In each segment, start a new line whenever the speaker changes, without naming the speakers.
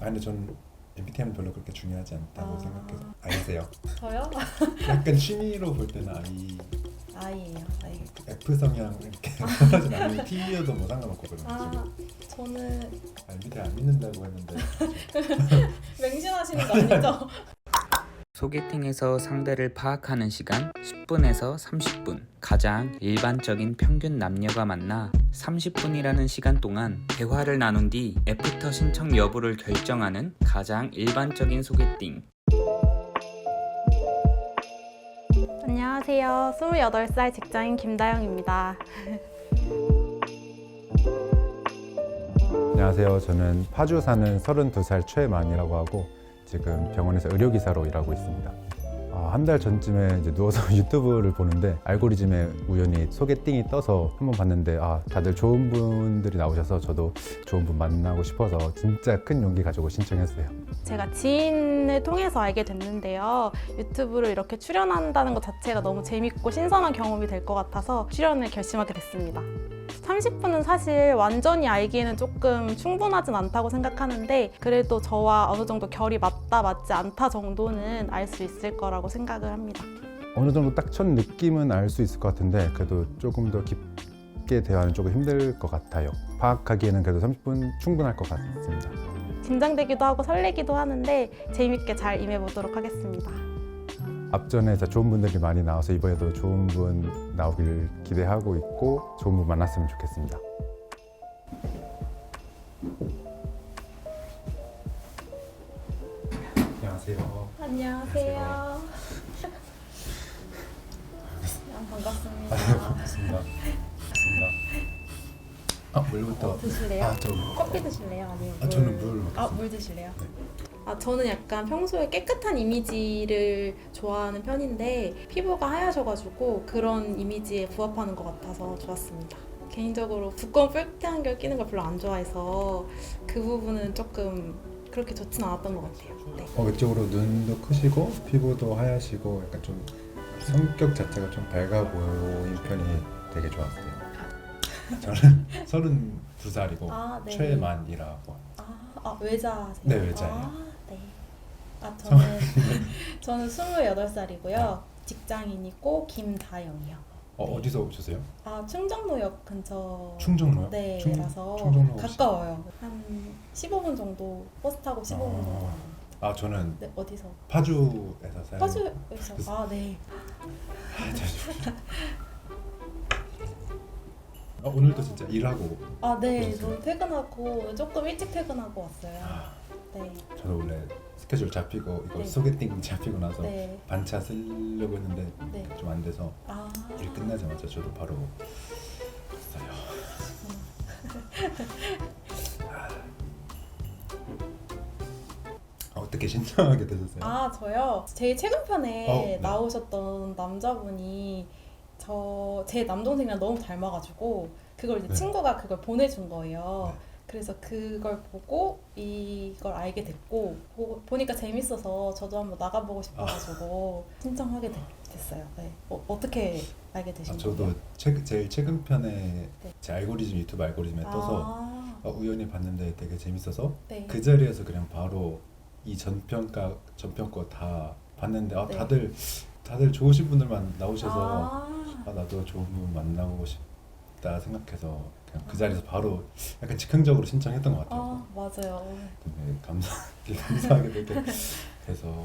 근데 전 MBTI는 별로 그렇게 중요하지 않다고 생각해서. 아니세요?
저요?
약간 취미로 볼 때는
I예요. I.
F 성향 이렇게 하진 않으면 T여도 뭐 상관없고 그런
아,
거죠.
저는
MBTI 안 믿는다고 했는데
맹신하시는 거 아니죠?
소개팅에서 상대를 파악하는 시간 10분에서 30분. 가장 일반적인 평균 남녀가 만나 30분이라는 시간 동안 대화를 나눈 뒤 애프터 신청 여부를 결정하는 가장 일반적인 소개팅.
안녕하세요. 28살 직장인 김다영입니다.
안녕하세요. 저는 파주 사는 32살 최만이라고 하고 지금 병원에서 의료기사로 일하고 있습니다. 한 달 전쯤에 이제 누워서 유튜브를 보는데 알고리즘에 우연히 소개팅이 떠서 한번 봤는데 다들 좋은 분들이 나오셔서 저도 좋은 분 만나고 싶어서 진짜 큰 용기 가지고 신청했어요.
제가 지인을 통해서 알게 됐는데요. 유튜브를 이렇게 출연한다는 것 자체가 너무 재밌고 신선한 경험이 될 것 같아서 출연을 결심하게 됐습니다. 30분은 사실 완전히 알기에는 조금 충분하진 않다고 생각하는데 그래도 저와 어느 정도 결이 맞다 맞지 않다 정도는 알 수 있을 거라고 생각을 합니다.
어느 정도 딱 첫 느낌은 알 수 있을 것 같은데 그래도 조금 더 깊게 대화는 조금 힘들 것 같아요. 파악하기에는 그래도 30분 충분할 것 같습니다.
긴장되기도 하고 설레기도 하는데 재밌게 잘 임해보도록 하겠습니다.
앞전에 좋은 분들이 많이 나와서 이번에도 좋은 분 나오길 기대하고 있고 좋은 분 만났으면 좋겠습니다. 안녕하세요.
안녕하세요. 반갑습니다.
반갑습니다. 물부터.
드실래요?
저
커피 드실래요? 아니면 물?
저는 물 먹겠습니다.
물 드실래요?
네.
저는 약간 평소에 깨끗한 이미지를 좋아하는 편인데 피부가 하얘셔가지고 그런 이미지에 부합하는 것 같아서 좋았습니다. 개인적으로 두꺼운 뿔테안경 끼는 걸 별로 안 좋아해서 그 부분은 조금 그렇게 좋진 않았던 것 같아요. 네.
외적으로 눈도 크시고 피부도 하얗시고 약간 좀 성격 자체가 좀 밝아 보이는 편이 되게 좋았어요. 저는 32살이고
네.
최만이라고.
외자세요?
네, 외자예요.
네. 저는 28살이고요. 직장인이고 김다영이요. 네.
어디서 오셨어요?
충정로역 근처.
충정로요?
네, 라서
충정로
가까워요. 한 15분 정도 버스 타고 15분 정도.
저는
네, 어디서?
파주에서 살고.
파주에서. 네.
오늘도 진짜 일하고.
네.
그러세요?
저는 퇴근하고 조금 일찍 퇴근하고 왔어요. 네.
저도 원래 스케줄 잡히고 이거
네.
소개팅 잡히고 나서
네.
반차 쓰려고 했는데
네.
좀 안 돼서 일 끝나자마자 저도 바로 갔어요. 어떻게 신청하게 되셨어요?
저요? 제일 최근 편에
네.
나오셨던 남자분이 제 남동생이랑 너무 닮아가지고 그걸 이제
네.
친구가 그걸 보내준 거예요.
네.
그래서 그걸 보고 이걸 알게 됐고 보니까 재밌어서 저도 한번 나가보고 싶어가지고 신청하게 됐어요. 네. 어떻게 알게 되신 거예요?
저도 제일 최근 편에
네.
제 알고리즘 유튜브 알고리즘에 떠서 우연히 봤는데 되게 재밌어서
네.
그 자리에서 그냥 바로 이 전편 거 다 봤는데
네.
다들 좋으신 분들만 나오셔서
아,
나도 좋은 분 만나고 싶다 생각해서 그냥 그 자리에서 바로 약간 즉흥적으로 신청했던 것 같아요.
맞아요.
근데 감사하게 되게 돼서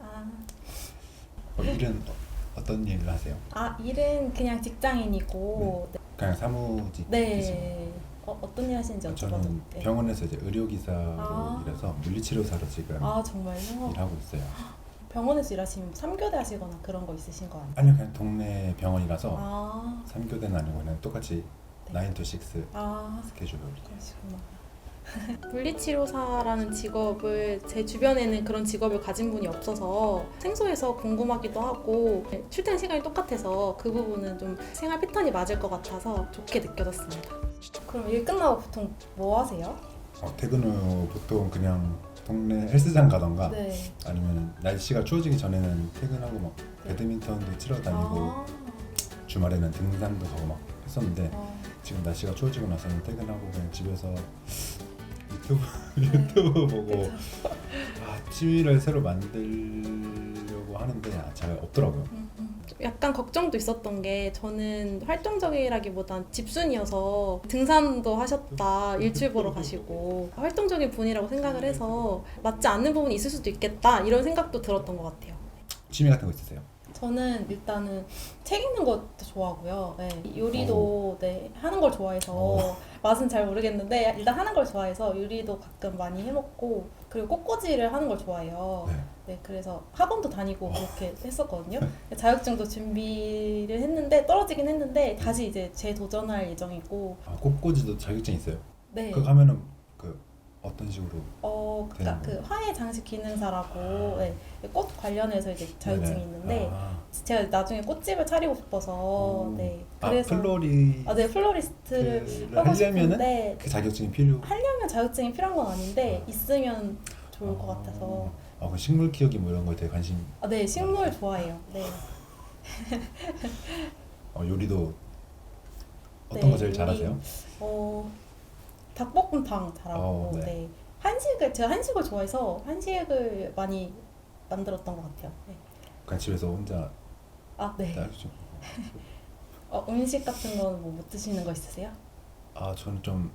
일은 어떤 일을 하세요?
일은 그냥 직장인이고
그냥 사무직이시나요?
네. 어떤 일 하시는지 여쭤봐도
저는
네.
병원에서 이제 의료기사로
아.
일해서 물리치료사로 지금
정말요?
일하고 있어요.
병원에서 일하시면 3교대 하시거나 그런 거 있으신 거 아니에요?
아니요, 그냥 동네 병원이라서 3교대는 아니고 그냥 똑같이
네.
9 to 6 스케줄로.
그러시구나. 물리치료사라는 직업을 제 주변에는 그런 직업을 가진 분이 없어서 생소해서 궁금하기도 하고 출퇴근 시간이 똑같아서 그 부분은 좀 생활 패턴이 맞을 것 같아서 좋게 느껴졌습니다. 그럼 일 끝나고 보통 뭐 하세요?
퇴근 후 보통 그냥 동네 헬스장 가던가
네.
아니면 날씨가 추워지기 전에는 퇴근하고 막 배드민턴도 치러 다니고 주말에는 등산도 가고 막 했었는데 지금 날씨가 추워지고 나서는 퇴근하고 그냥 집에서 유튜브 보고 취미를 새로 만들려고 하는데 잘 없더라고요.
약간 걱정도 있었던 게 저는 활동적이라기보단 집순이어서 등산도 하셨다 일출 보러 가시고 활동적인 분이라고 생각을 해서 맞지 않는 부분이 있을 수도 있겠다 이런 생각도 들었던 것 같아요.
취미 같은 거 있으세요?
저는 일단은 책 읽는 것도 좋아하고요. 네, 요리도 네, 하는 걸 좋아해서 맛은 잘 모르겠는데 일단 하는 걸 좋아해서 요리도 가끔 많이 해먹고 그리고 꽃꽂이를 하는 걸 좋아해요.
네.
네, 그래서 학원도 다니고 그렇게 했었거든요. 자격증도 준비를 했는데 떨어지긴 했는데 다시 이제 재도전할 예정이고.
꽃꽂이도 자격증 있어요?
네.
그거 하면은 어떤 식으로?
그러니까 그 화훼 장식 기능사라고 네, 꽃 관련해서 이제 자격증이 있는데 제가 나중에 꽃집을 차리고 싶어서 네 그래서 플로리스트를 하고
하려면은
싶은데
그 자격증이 필요?
하려면 자격증이 필요한 건 아닌데 있으면 좋을 것 같아서.
그 식물 키우기 뭐 이런 거에 되게 관심.
네, 식물 좋아해요. 네.
요리도 어떤
네,
거 제일
요리,
잘하세요?
닭볶음탕 잘하고
네.
네. 제가 한식을 좋아해서 한식을 많이 만들었던 것 같아요. 네.
그냥 집에서 혼자
네.
따르죠.
음식 같은 거는 뭐 못 드시는 거 있으세요?
저는 좀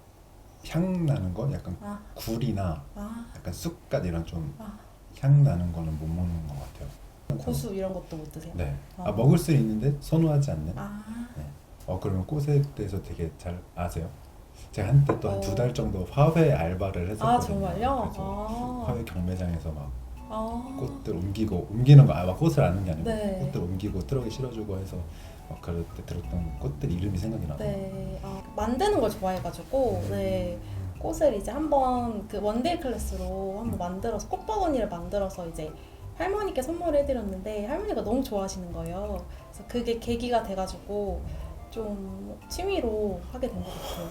향 나는 거, 약간 굴이나 약간 쑥갓 이런 좀 향 나는 거는 못 먹는 것 같아요.
고수 이런 것도 못 드세요?
네. 먹을 수 있는데 선호하지 않는. 네. 그러면 꽃에 대해서 되게 잘 아세요? 제가 한때 또 한 2달 정도 화훼 알바를 했었거든요.
정말요?
그래서 화훼 경매장에서 막 꽃들 옮기는 거, 막 꽃을 아는 게 아니고
네.
꽃들 옮기고 트럭에 실어주고 해서 그럴 때 들었던 꽃들 이름이 생각이 나요.
네. 만드는 걸 좋아해가지고 네. 꽃을 이제 한번 그 원데이 클래스로 한번 만들어서 꽃바구니를 만들어서 이제 할머니께 선물을 해드렸는데 할머니가 너무 좋아하시는 거예요. 그래서 그게 계기가 돼가지고 좀 취미로 하게 된 것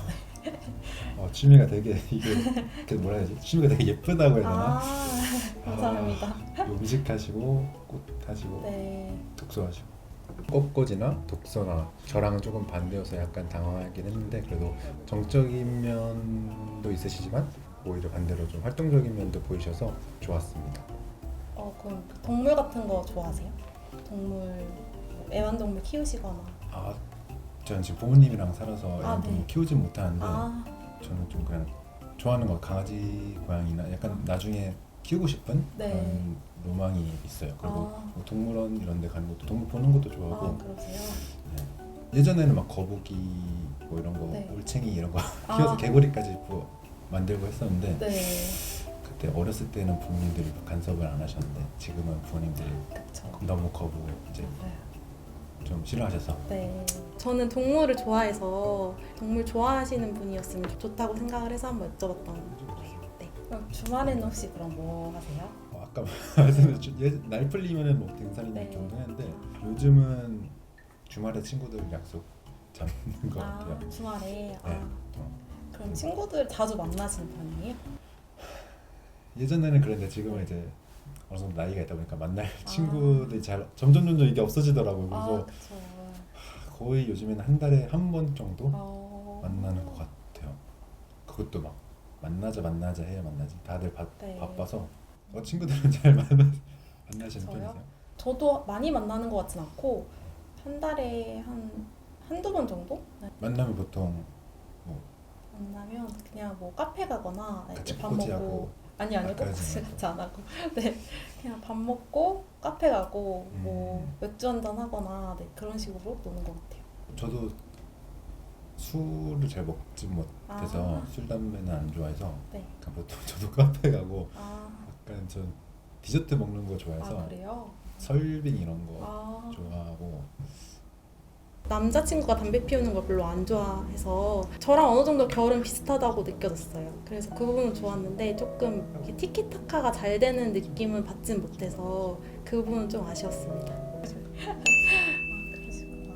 같아요.
취미가 되게 이게 뭐라 해야지? 취미가 되게 예쁘다고 해야 되나?
감사합니다.
음식하시고 꽃 하시고
네.
독서하시고. 꽃꽂이나 독서나 저랑은 조금 반대여서 약간 당황하긴 했는데 그래도 정적인 면도 있으시지만 오히려 반대로 좀 활동적인 면도 보이셔서 좋았습니다.
그럼 동물 같은 거 좋아하세요? 동물, 애완동물 키우시거나.
저는 지금 부모님이랑 살아서 애완동물
네.
키우진 못하는데 저는 좀 그냥 좋아하는 거 강아지, 고양이나 약간 나중에 키우고 싶은
네.
그런 로망이 있어요. 그리고 뭐 동물원 이런 데 가는 것도 동물 보는 것도 좋아하고
그러세요?
예전에는 막 거북이 뭐 이런 거
네.
올챙이 이런 거 키워서 개구리까지 만들고 했었는데
네.
그때 어렸을 때는 부모님들이 간섭을 안 하셨는데 지금은 부모님들이
그쵸.
너무 거부 이제 좀 싫어하셔서.
네. 저는 동물을 좋아해서 동물 좋아하시는 분이었으면 좋다고 생각을 해서 한번 여쭤봤던 거예요. 네. 그럼 주말에는 혹시 그럼 뭐 하세요?
아까 말씀드렸죠. 날 풀리면은 뭐 등산이나
네.
정도 했는데 요즘은 주말에 친구들 약속 잡는 것 같아요.
주말에.
네.
그럼 친구들 자주 만나시는 편이에요?
예전에는 그랬는데 지금은 이제 어느 정도 나이가 있다 보니까 만날 친구들이 점점 이게 없어지더라고요. 그래서
그쵸.
거의 요즘에는 한 달에 한 번 정도 만나는 것 같아요. 그것도 막 만나자 해야 만나지. 다들
네.
바빠서. 친구들은 잘 만나시는
저요?
편이세요?
저도 많이 만나는 것 같진 않고 한 달에 한두 번 정도? 네.
만나면 보통
만나면 그냥 뭐 카페 가거나
같이
밥
꽃꽂이하고.
먹고 아니요
그러지
꽃꽂이
않고.
같이 안 하고 네 그냥 밥 먹고 카페 가고 뭐 맥주 한잔 하거나 네 그런 식으로 노는 것 같아요.
저도 술을 잘 먹지 못해서 술 담배는 안 좋아해서
네.
그냥 보통 저도 카페 가고 약간 전 디저트 먹는 거 좋아해서
그래요?
설빙 이런 거 좋아하고.
남자친구가 담배 피우는 걸 별로 안 좋아해서 저랑 어느 정도 결은 비슷하다고 느껴졌어요. 그래서 그 부분은 좋았는데 조금 이렇게 티키타카가 잘 되는 느낌은 받진 못해서 그 부분은 좀 아쉬웠습니다. 그러시구나.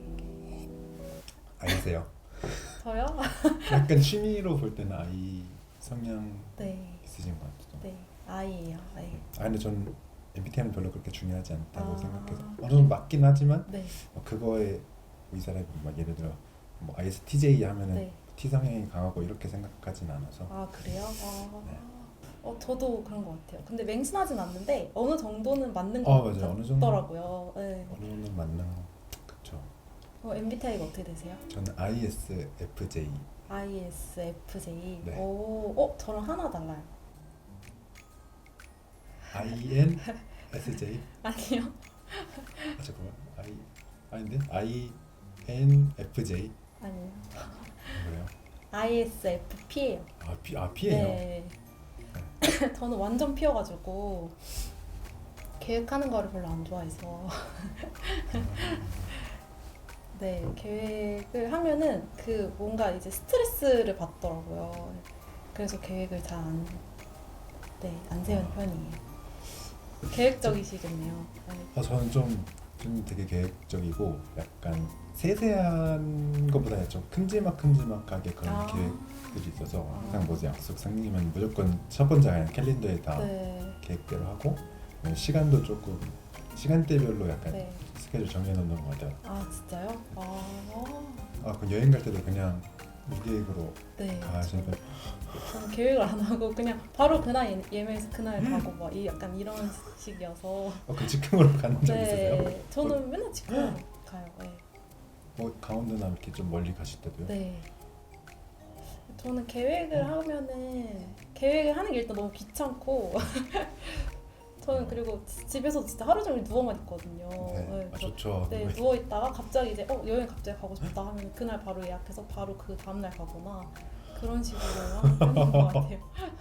아이세요?
저요?
약간 취미로 볼 때는 아이 성향
네.
있으신 것 같아요.
네. 아이예요. 네.
근데 전 MBTI는 별로 그렇게 중요하지 않다고 생각해서 어느
그래요?
정도 맞긴 하지만
네.
그거에 이 사람이 막 예를 들어 뭐 ISTJ 하면은
네.
T 성향이 강하고 이렇게 생각하진 않아서.
아 그래요?
네.
저도 그런 것 같아요. 근데 맹신하진 않는데 어느 정도는 맞는
맞아요.
것
어느 정도.
같더라고요. 네.
어느 정도 맞는 그쵸.
MBTI가 어떻게 되세요?
저는 ISFJ.
ISFJ.
네.
저랑 하나 달라요.
INSJ?
아니요.
잠깐만. 아닌데? INFJ?
아니요.
그래요?
ISFP예요.
P예요?
네. 저는 완전 P여가지고 계획하는 거를 별로 안 좋아해서 네, 계획을 하면은 뭔가 이제 스트레스를 받더라고요. 그래서 계획을 잘 안 세우는 편이에요. 계획적이시겠네요. 네.
저는 좀 되게 계획적이고 약간 세세한 것보다 좀 큼지막하게 그런 계획들이 있어서 항상 뭐지 약속 생기면 무조건 첫 번째 그냥 캘린더에 다
네.
계획대로 하고 시간도 조금 시간대별로 약간
네.
스케줄 정해놓는 것 같아요.
아 진짜요?
그 여행 갈 때도 그냥 무계획으로
네.
가시니까
저는 계획을 안 하고 그냥 바로 그날 예매해서 그날 가고 막 약간 이런 식이어서.
그 즉흥으로 가는 적 있으세요?
네. 저는 맨날 직항 가요. 네.
뭐 강원도나 이렇게 좀 멀리 가실 때도요?
네. 저는 계획을 하는 게 일단 너무 귀찮고 저는 그리고 집에서 진짜 하루 종일 누워만 있거든요.
네.
그래서
좋죠.
네, 누워 있다가 갑자기 이제 여행 갑자기 가고 싶다 하면 그날 바로 예약해서 바로 그 다음날 가거나 그런 식으로 하는 것 같아요.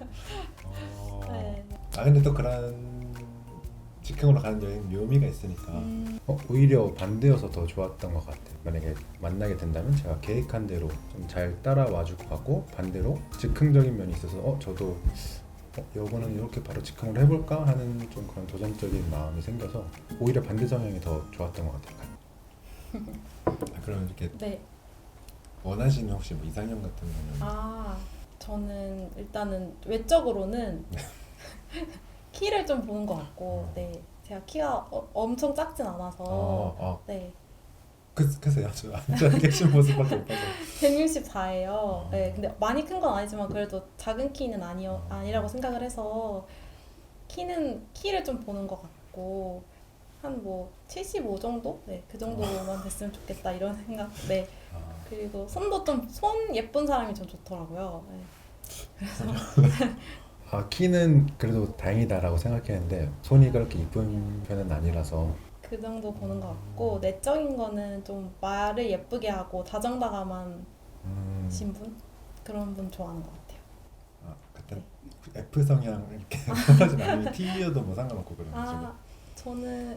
네.
근데 또 그런 즉흥으로 가는 여행 묘미가 있으니까 오히려 반대여서 더 좋았던 것 같아요. 만약에 만나게 된다면 제가 계획한 대로 좀 잘 따라와주고 가고 반대로 즉흥적인 면이 있어서 저도 이거는 이렇게 바로 즉흥으로 해볼까 하는 좀 그런 도전적인 마음이 생겨서 오히려 반대 성향이 더 좋았던 것 같아요. 그럼 이렇게
네.
원하시는 혹시 뭐 이상형 같은 거는?
저는 일단은 외적으로는 키를 좀 보는 것 같고, 네. 제가 키가 엄청 작진 않아서, 네.
그래서 저 앉아 계신 모습밖에 못 봐서
164예요. 네. 근데 많이 큰 건 아니지만 그래도 작은 키는 아니라고 생각을 해서 키를 좀 보는 것 같고 한 뭐 75 정도? 네. 그 정도만 됐으면 좋겠다 이런 생각. 네. 그리고 손 예쁜 사람이 좀 좋더라고요. 네. 그래서
키는 그래도 다행이다라고 생각했는데 손이 그렇게 이쁜 편은 아니라서
그 정도 보는 것 같고 내적인 거는 좀 말을 예쁘게 하고 다정다감한 신분? 그런 분 좋아하는 것 같아요.
그때
네.
F 성향 이렇게 하진 않으면 T여도 뭐 상관없고 그런 식으로.
저는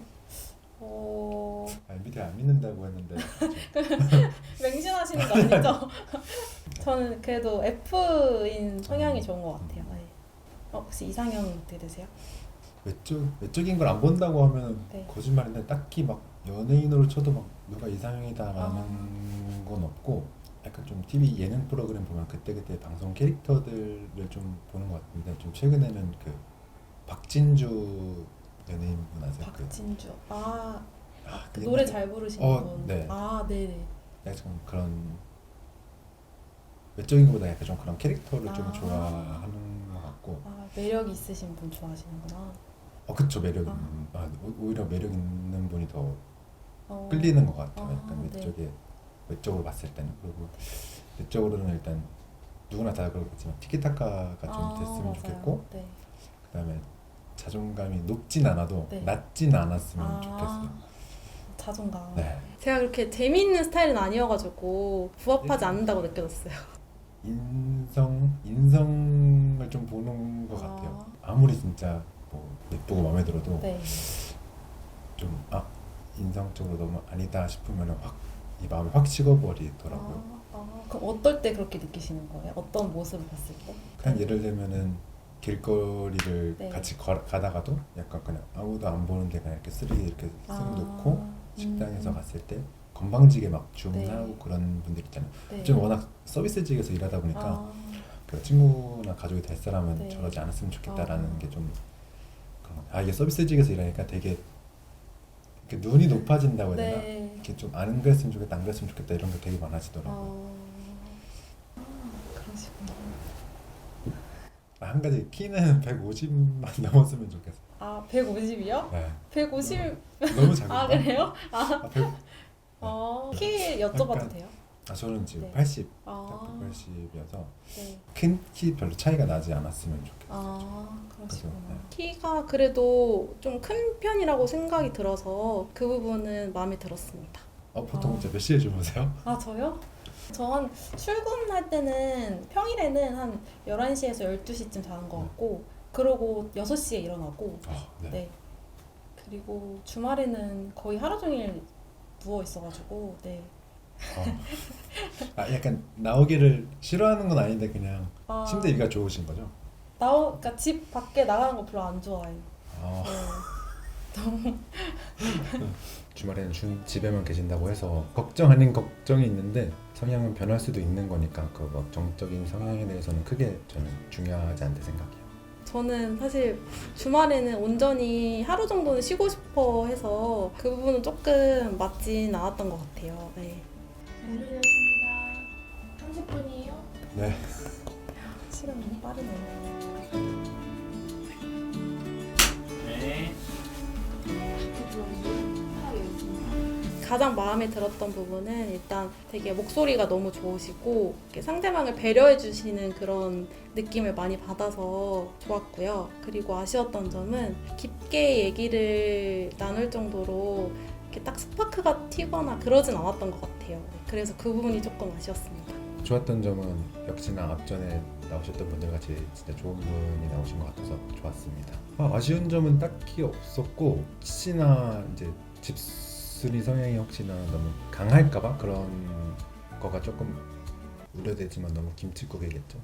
MBTI 안 믿는다고 했는데
맹신하시는 거 아니죠? 저는 그래도 F인 성향이 좋은 것 같아요. 네. 혹시 이상형 어떻게 되세요?
외적인 걸 안 본다고 하면
네.
거짓말인데 딱히 막 연예인으로 쳐도 막 누가 이상형이다라는 건 없고 약간 좀 TV 예능 프로그램 보면 그때그때 방송 캐릭터들을 좀 보는 것 같은데 좀 최근에는 그 박진주 연예인분 아세요?
박진주. 그
그
노래 잘 부르시는 분.
네.
네네.
약간 좀 그런 외적인 것보다 약간 좀 그런 캐릭터를 좀 좋아하는 것 같고.
매력 있으신 분 좋아하시는구나.
그쵸. 매력 있는 오히려 매력 있는 분이 더 끌리는 것 같아요. 약간 외적으로 봤을 때는. 그리고 내적으로는 일단 누구나 다 그렇겠지만 티키타카가 좀 됐으면
맞아요.
좋겠고
네.
그다음에 자존감이 높진 않아도
네.
낮진 않았으면 좋겠어요.
자존감.
네.
제가 그렇게 재미있는 스타일은 아니어가지고 부합하지 않는다고 느껴졌어요.
인성을 좀 보는 것 같아요. 아무리 진짜 뭐 예쁘고 마음에 들어도
네.
좀 인성적으로 너무 아니다 싶으면 확 이 마음이 확 식어버리더라고요.
그럼 어떨 때 그렇게 느끼시는 거예요? 어떤 모습을 봤을 때?
그냥 예를 들면은 길거리를
네.
같이 가다가도 약간 그냥 아무도 안 보는데 그냥 이렇게 쓰레기 이렇게 쓱 놓고 식당에서 갔을 때 건방지게 막 주문하고
네.
그런 분들 있잖아요.
네.
좀 워낙 서비스직에서 일하다 보니까 그 친구나 가족이 될 사람은
네.
저러지 않았으면 좋겠다라는 게 좀 그런 것 같아요. 이게 서비스직에서 일하니까 되게 이렇게 눈이 높아진다고 해야 되나?
네.
이렇게 좀 안 그랬으면 좋겠다, 안 그랬으면 좋겠다 이런 게 되게 많아지더라고요. 한 가지 키는 150만 넘었으면 좋겠어.
아 150이요?
네.
150
너무 작은가?
아 그래요?
아, 100,
키 여쭤봐도
약간-
돼요?
저는 지금
네.
80,
아
180이어서
네.
큰 키 별로 차이가 나지 않았으면 좋겠어.
아 그러시구나.
그래서, 네.
키가 그래도 좀 큰 편이라고 생각이 들어서 그 부분은 마음에 들었습니다.
보통 이제 몇 시에 주무세요?
아 저요? 저 한 출근할 때는 평일에는 한 11시에서 12시쯤 자는 것 같고 그러고 6시에 일어나고
네.
네. 그리고 주말에는 거의 하루 종일 누워 있어가지고 네.
약간 나오기를 싫어하는 건 아닌데 그냥
아,
침대 위가 좋으신 거죠?
그러니까 집 밖에 나가는 거 별로 안 좋아해요.
아,
네.
주말에는 집에만 계신다고 해서 걱정 아닌 걱정이 있는데 성향은 변할 수도 있는 거니까 그 막 정적인 성향에 대해서는 크게 저는 중요하지 않다 생각해요.
저는 사실 주말에는 온전히 하루 정도는 쉬고 싶어 해서 그 부분은 조금 맞진 않았던 것 같아요. 네.
완료되었습니다. 30분이에요?
네.
시간이 빠르네요.
네.
가장 마음에 들었던 부분은 일단 되게 목소리가 너무 좋으시고 이렇게 상대방을 배려해 주시는 그런 느낌을 많이 받아서 좋았고요. 그리고 아쉬웠던 점은 깊게 얘기를 나눌 정도로 이렇게 딱 스파크가 튀거나 그러진 않았던 것 같아요. 네, 그래서 그 부분이 조금 아쉬웠습니다.
좋았던 점은 역시나 앞전에 나오셨던 분들 같이 진짜 좋은 분이 나오신 것 같아서 좋았습니다. 아쉬운 점은 딱히 없었고 혹시나 이제 집순이 성향이 혹시나 너무 강할까봐 그런 거가 조금 우려되지만 너무 김칫국이겠죠.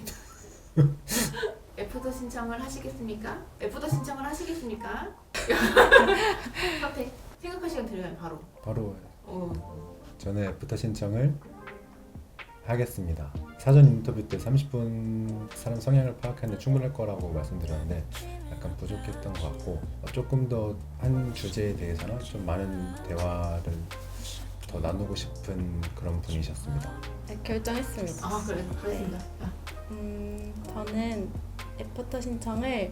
애프터 신청을 하시겠습니까? 애프터 신청을 하시겠습니까? 선택. 생각할 시간 드려요, 바로.
바로
어.
저는 애프터 신청을 하겠습니다. 사전 인터뷰 때 30분 사람 성향을 파악하는데 충분할 거라고 말씀드렸는데 약간 부족했던 것 같고 조금 더 한 주제에 대해서는 좀 많은 대화를 더 나누고 싶은 그런 분이셨습니다.
네, 결정했습니다.
아, 그래. 그렇습니다.
저는 애프터 신청을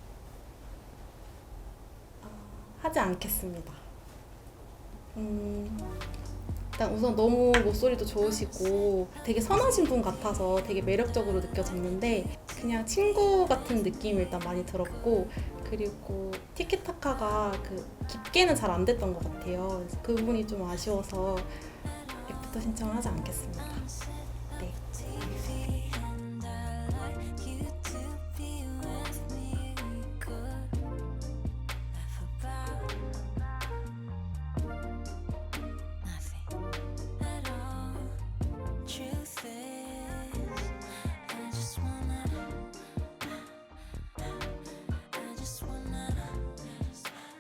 하지 않겠습니다. 일단 우선 너무 목소리도 좋으시고 되게 선하신 분 같아서 되게 매력적으로 느껴졌는데 그냥 친구 같은 느낌이 일단 많이 들었고 그리고 티키타카가 그 깊게는 잘 안 됐던 것 같아요. 그래서 그 부분이 좀 아쉬워서 애프터 신청을 하지 않겠습니다.